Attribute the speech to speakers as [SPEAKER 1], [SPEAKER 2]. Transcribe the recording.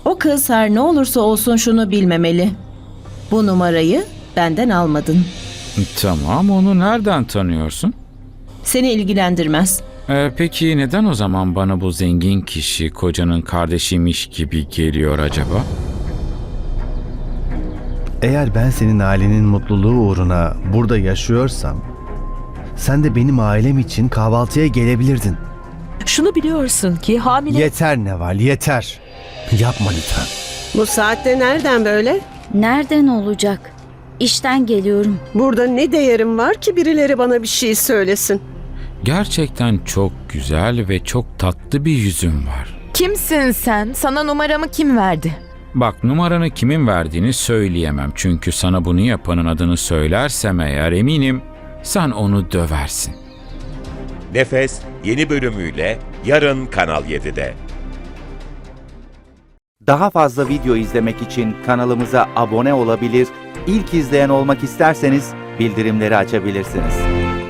[SPEAKER 1] O kız her ne olursa olsun şunu bilmemeli. Bu numarayı benden almadın.
[SPEAKER 2] Tamam, onu nereden tanıyorsun?
[SPEAKER 1] Seni ilgilendirmez.
[SPEAKER 2] Peki neden o zaman bana bu zengin kişi kocanın kardeşiymiş gibi geliyor acaba?
[SPEAKER 3] Eğer ben senin ailenin mutluluğu uğruna burada yaşıyorsam, sen de benim ailem için kahvaltıya gelebilirdin.
[SPEAKER 4] Şunu biliyorsun ki hamile...
[SPEAKER 3] Yeter Neval, yeter. Yapma lütfen.
[SPEAKER 5] Bu saatte nereden böyle?
[SPEAKER 6] Nereden olacak? İşten geliyorum.
[SPEAKER 5] Burada ne değerim var ki birileri bana bir şey söylesin?
[SPEAKER 2] Gerçekten çok güzel ve çok tatlı bir yüzün var.
[SPEAKER 7] Kimsin sen? Sana numaramı kim verdi?
[SPEAKER 2] Bak, numaranı kimin verdiğini söyleyemem. Çünkü sana bunu yapanın adını söylersem eğer eminim sen onu döversin.
[SPEAKER 8] Nefes yeni bölümüyle yarın Kanal 7'de.
[SPEAKER 9] Daha fazla video izlemek için kanalımıza abone olabilir, ilk izleyen olmak isterseniz bildirimleri açabilirsiniz.